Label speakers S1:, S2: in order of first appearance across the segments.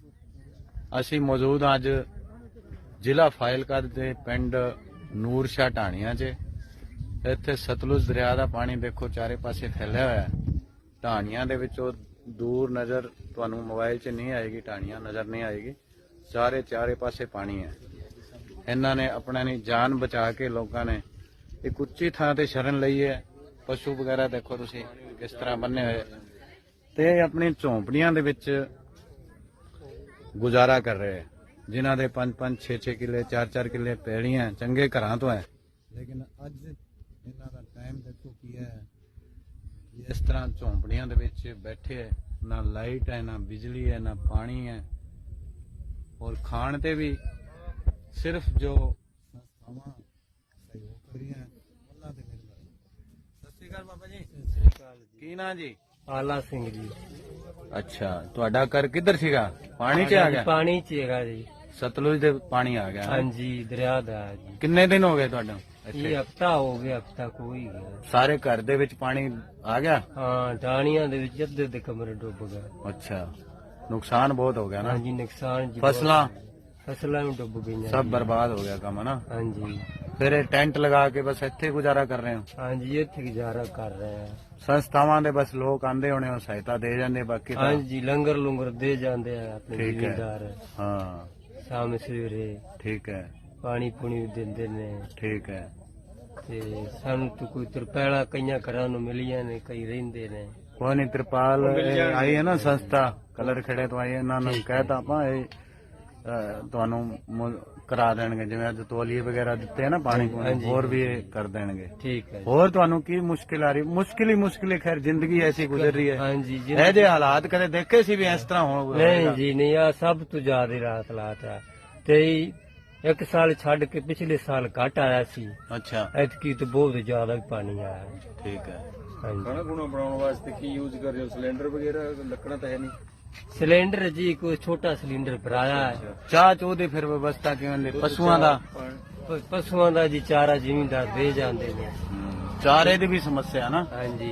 S1: ਅਸੀਂ ਮੌਜੂਦ ਹਾਂ ਅੱਜ ਜ਼ਿਲ੍ਹਾ ਫਾਜ਼ਿਲਕਾ ਦੇ ਪਿੰਡ ਨੂਰ ਸ਼ਾਹ ਢਾਣੀਆਂ 'ਚ। ਇੱਥੇ ਸਤਲੁਜ ਦਰਿਆ ਦਾ ਪਾਣੀ ਦੇਖੋ ਚਾਰੇ ਪਾਸੇ ਫੈਲਿਆ ਹੋਇਆ ਹੈ। ਢਾਣੀਆਂ ਦੇ ਵਿੱਚੋਂ ਦੂਰ ਨਜ਼ਰ ਤੁਹਾਨੂੰ ਮੋਬਾਈਲ 'ਚ ਨਹੀਂ ਆਏਗੀ, ਢਾਣੀਆਂ ਨਜ਼ਰ ਨਹੀਂ ਆਏਗੀ। ਚਾਰੇ ਪਾਸੇ ਪਾਣੀ ਹੈ। ਇਹਨਾਂ ਨੇ ਆਪਣਾ ਦੀ ਜਾਨ ਬਚਾ ਕੇ ਲੋਕਾਂ ਨੇ ਇੱਕ ਉੱਚੀ ਥਾਂ ਤੇ ਸ਼ਰਨ ਲਈ ਹੈ। ਪਸ਼ੂ ਵਗੈਰਾ ਦੇਖੋ ਤੁਸੀਂ ਕਿਸ ਤਰ੍ਹਾਂ ਬੰਨੇ ਹੋਏ ਤੇ ਆਪਣੀ ਝੌਂਪੜੀਆਂ ਦੇ ਵਿੱਚ ਗੁਜ਼ਾਰਾ ਕਰ ਰਹੇ ਹੈ। ਜਿਨ੍ਹਾਂ ਦੇ 5-5 6-6 ਕਿੱਲੇ 4-4 ਕਿੱਲੇ ਪੈਲੀਆਂ ਚੰਗੇ ਘਰਾਂ ਤੋਂ ਹੈ, ਲੇਕਿਨ ਅੱਜ ਇਹਨਾਂ ਦਾ ਟਾਈਮ ਦੇਖੋ ਕੀ ਹੈ। ਇਸ ਤਰ੍ਹਾਂ ਝੌਂਪੜੀਆਂ ਦੇ ਵਿੱਚ ਬੈਠੇ ਹੈ, ਨਾ ਲਾਈਟ ਹੈ, ਨਾ ਬਿਜਲੀ ਹੈ, ਨਾ ਪਾਣੀ ਹੈ, ਔਰ ਖਾਣ ਤੇ ਵੀ ਸਿਰਫ ਜੋ ਸੰਸਥਾਵਾਂ ਸਹਿਯੋਗ ਕਰ ਰਹੀਆਂ ਉਹਨਾਂ ਦੇ ਮਿਲ ਰਿਹਾ। ਸਤਿ ਸ਼੍ਰੀ ਅਕਾਲ ਬਾਬਾ ਜੀ।
S2: ਸਤਿ ਸ੍ਰੀ ਅਕਾਲ ਜੀ।
S1: ਕੀ ਨਾਂ ਜੀ?
S2: ਆਲਾ ਸਿੰਘ ਜੀ।
S1: ਅੱਛਾ, ਤੁਹਾਡਾ ਘਰ ਕਿੱਧਰ ਸੀਗਾ? ਪਾਣੀ 'ਚ ਆ ਗਿਆ?
S2: ਪਾਣੀ 'ਚ ਹੈਗਾ ਜੀ।
S1: ਸਤਲੁਜ ਦੇ ਪਾਣੀ ਆ ਗਿਆ?
S2: ਹਾਂਜੀ, ਦਰਿਆ ਦਾ ਹੈ ਜੀ।
S1: ਕਿੰਨੇ ਦਿਨ ਹੋ ਗਏ ਤੁਹਾਨੂੰ ਇੱਥੇ?
S2: ਇਹ ਹਫਤਾ ਹੋ ਗਿਆ, ਹਫਤਾ ਕੋਈ ਗਿਆ।
S1: ਸਾਰੇ ਘਰ ਦੇ ਵਿੱਚ ਪਾਣੀ ਆ ਗਿਆ?
S2: ਹਾਂ, ਢਾਣੀਆਂ ਦੇ ਵਿੱਚ ਅੱਧੇ ਦੇ ਕਮਰੇ ਡੁੱਬ ਗਏ।
S1: ਅੱਛਾ, ਨੁਕਸਾਨ ਬਹੁਤ ਹੋ ਗਿਆ ਨਾ?
S2: ਹਾਂਜੀ, ਨੁਕਸਾਨ ਜੀ।
S1: ਫਸਲਾਂ
S2: ਵੀ ਡੁੱਬ ਗਈਆਂ।
S1: ਸਭ ਬਰਬਾਦ ਹੋ ਗਿਆ ਕੰਮ ਨਾ?
S2: ਹਾਂਜੀ।
S1: ਫਿਰ ਇਹ ਟੈਂਟ ਲਗਾ ਕੇ ਬਸ ਇੱਥੇ ਗੁਜ਼ਾਰਾ ਕਰ ਰਹੇ ਹੋ?
S2: ਹਾਂਜੀ, ਇੱਥੇ ਗੁਜ਼ਾਰਾ ਕਰ ਰਹੇ ਆ।
S1: ਸੰਸਥਾਵਾਂ ਦੇ ਬਸ ਲੋਕ ਆਂਦੇ ਹੋਣੇ, ਉਹ ਸਹਾਇਤਾ ਦੇ ਜਾਂਦੇ, ਬਾਕੀ ਤਾਂ
S2: ਹਾਂਜੀ, ਲੰਗਰ ਲੰਗਰ ਦੇ ਜਾਂਦੇ ਆ ਆਪਣੇ
S1: ਠੀਕ ਹੈ।
S2: ਜ਼ਿਮੀਂਦਾਰ।
S1: ਹਾਂ,
S2: ਸ਼ਾਮ ਸਵੇਰੇ
S1: ਠੀਕ ਹੈ,
S2: ਪਾਣੀ ਪੂਣੀ ਵੀ ਦਿੰਦੇ ਨੇ।
S1: ਠੀਕ ਹੈ।
S2: ਤੇ ਸਾਨੂੰ ਤਾਂ ਕੋਈ ਤਰਪੈਲਾ ਕਈਆਂ ਘਰਾਂ ਨੂੰ ਮਿਲੀਆਂ ਨੇ, ਕਈ ਰਹਿੰਦੇ ਨੇ।
S1: ਕੋਈ ਨਹੀਂ, ਤਿਰਪਾਲ ਆਈ ਹੈ ਨਾ ਸੰਸਥਾ ਕਲਰ ਖੇੜੇ ਤੋਂ ਆਈ ਹੈ, ਇਹਨਾਂ ਨੂੰ ਕਹਿਤਾ ਆਪਾਂ ਇਹ ਤੁਹਾਨੂੰ ਕਰਾ ਦੇਣਗੇ। ਜਿਵੇਂ ਅੱਜ ਤੋਲੀਏ ਵਗੈਰਾ ਦਿੱਤੇ ਆ ਨਾ ਪਾਣੀ ਪੂਣੀ, ਹੋਰ ਵੀ ਇਹ ਕਰ ਦੇਣਗੇ।
S2: ਠੀਕ ਹੈ।
S1: ਹੋਰ ਤੁਹਾਨੂੰ ਕੀ ਮੁਸ਼ਕਿਲ ਆ ਰਹੀ? ਮੁਸ਼ਕਿਲ ਹੀ ਖੈਰ, ਜ਼ਿੰਦਗੀ ਐਸੀ ਗੁਜ਼ਰ ਰਹੀ ਹੈ।
S2: ਹਾਂਜੀ ਜੀ।
S1: ਇਹ ਜੇ ਹਾਲਾਤ ਕਦੇ ਦੇਖੇ ਸੀ ਵੀ ਇਸ ਤਰ੍ਹਾਂ ਹੋਊਗਾ?
S2: ਨਹੀਂ ਜੀ, ਨਹੀਂ, ਆ ਸਭ ਤੋਂ ਜ਼ਿਆਦਾ ਰਾਤ ਲਾਤ ਆ। ਤੇ ਇੱਕ ਸਾਲ ਛੱਡ ਕੇ ਪਿਛਲੇ ਸਾਲ ਘੱਟ ਆਇਆ ਸੀ।
S1: ਅੱਛਾ,
S2: ਐਤਕੀ ਤਾਂ ਬਹੁਤ ਜ਼ਿਆਦਾ ਪਾਣੀ ਆਇਆ।
S1: ਠੀਕ ਹੈ।
S2: ਹਾਂਜੀ।
S1: ਖਾਣਾ ਖੁਣਾ ਬਣਾਉਣ ਵਾਸਤੇ ਕੀ ਯੂਜ਼ ਕਰ ਰਹੇ ਹੋ? ਸਿਲੰਡਰ ਵਗੈਰਾ? ਲੱਕੜਾਂ ਤਾਂ ਹੈ ਨਹੀਂ?
S2: ਸਿਲੰਡਰ ਜੀ, ਕੋਈ ਛੋਟਾ ਸਿਲੰਡਰ ਭਰਾਇਆ ਹੈ।
S1: ਚਾਹ ਚੂਹ ਦੀ ਫਿਰ ਵਿਵਸਥਾ ਕਿਵੇਂ ਦੀ? ਪਸ਼ੂਆਂ ਦਾ?
S2: ਪਸ਼ੂਆਂ ਦਾ ਜੀ ਚਾਰਾ ਜ਼ਿਮੀਂਦਾਰ ਦੇ ਜਾਂਦੇ ਨੇ।
S1: ਚਾਰੇ ਦੀ ਵੀ ਸਮੱਸਿਆ ਨਾ?
S2: ਹਾਂਜੀ।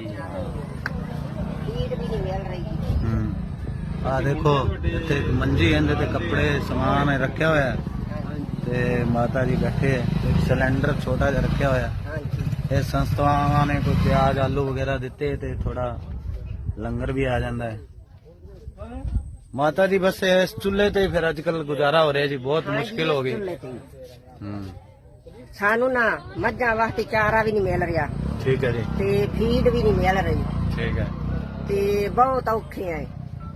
S1: ਆ ਦੇਖੋ ਇੱਥੇ ਮੰਜੀ ਇਹਦੇ ਤੇ ਕੱਪੜੇ ਸਮਾਨ ਰੱਖਿਆ ਹੋਇਆ ਹੈ ਤੇ ਮਾਤਾ ਜੀ ਬੈਠੇ ਹੈ। ਸਿਲੰਡਰ ਛੋਟਾ ਜਿਹਾ ਰੱਖਿਆ ਹੋਇਆ। ਇਹ ਸੰਸਥਾਵਾਂ ਨੇ ਕੋਈ ਪਿਆਜ਼ ਆਲੂ ਵਗੈਰਾ ਦਿੱਤੇ ਤੇ ਥੋੜਾ ਲੰਗਰ ਵੀ ਆ ਜਾਂਦਾ ਹੈ। ਮਾਤਾ ਜੀ ਬਸ ਇਸ ਚੁੱਲ੍ਹੇ ਤੇ ਫਿਰ ਅੱਜ ਕੱਲ ਗੁਜ਼ਾਰਾ ਹੋ ਰਿਹਾ ਜੀ, ਬਹੁਤ ਮੁਸ਼ਕਿਲ ਹੋ ਗਈ।
S3: ਸਾਨੂੰ ਨਾ ਮੱਝਾਂ ਵਾਸਤੇ ਚਾਰਾ ਵੀ ਨਹੀਂ ਮਿਲ ਰਿਹਾ।
S1: ਠੀਕ ਹੈ ਜੀ।
S3: ਤੇ ਫੀਡ ਵੀ ਨਹੀਂ ਮਿਲ ਰਹੀ।
S1: ਠੀਕ ਹੈ।
S3: ਤੇ ਬਹੁਤ ਔਖੇ ਆ।